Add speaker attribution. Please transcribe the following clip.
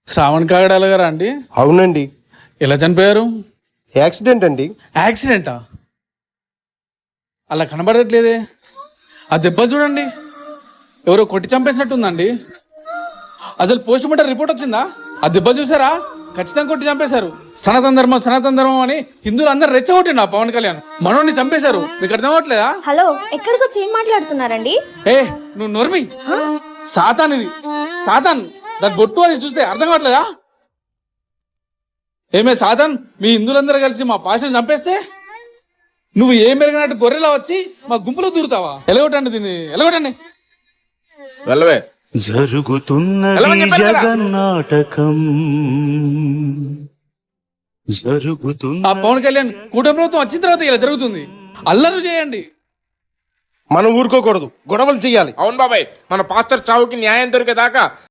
Speaker 1: శ్రావణ్ కాగడాల గారా అండి?
Speaker 2: అవునండి.
Speaker 1: ఎలా చనిపోయారు?
Speaker 2: యాక్సిడెంట్ అండి.
Speaker 1: యాక్సిడెంటా? అలా కనబడట్లేదే. ఆ దెబ్బ చూడండి, ఎవరో కొట్టి చంపేసినట్టుందండి. అసలు పోస్ట్ మార్టం రిపోర్ట్ వచ్చిందా? ఆ దెబ్బ చూసారా? ఖచ్చితంగా కొట్టి చంపేశారు. సనాతన ధర్మం అని హిందువులు అందరు రెచ్చగొట్టిండు ఆ పవన్ కళ్యాణ్. మనోడిని చంపేశారు. మీకు అర్థం అవ్వట్లేదా?
Speaker 3: హలో, ఎక్కడికి వచ్చి ఏం మాట్లాడుతున్నారండి?
Speaker 1: ఏ నువ్వు నోర్మి. సాతాన్ ఇది, సాతాన్. దాని బొట్టు అని చూస్తే అర్థం కావట్లేదా? ఏమే సాతాన్, మీ హిందువులందరూ కలిసి మా పాషను చంపేస్తే నువ్వు ఏం పెరిగినట్టు గొర్రెలా వచ్చి మా గుంపులో దూరుతావా? ఎలగొట్టండి దీన్ని, ఎలగొట్టండి.
Speaker 4: వెళ్ళవే.
Speaker 5: జరుగుతున్నది జగన్నాటకం,
Speaker 1: ఆ పవన్ కళ్యాణ్ కూటమి ప్రభుత్వం వచ్చిన తర్వాత ఇలా జరుగుతుంది. అల్లరు చేయండి.
Speaker 2: మనం ఊరుకోకూడదు, గొడవలు చెయ్యాలి.
Speaker 4: అవును బాబాయ్, మన పాస్టర్ చావుకి న్యాయం దొరికేదాకా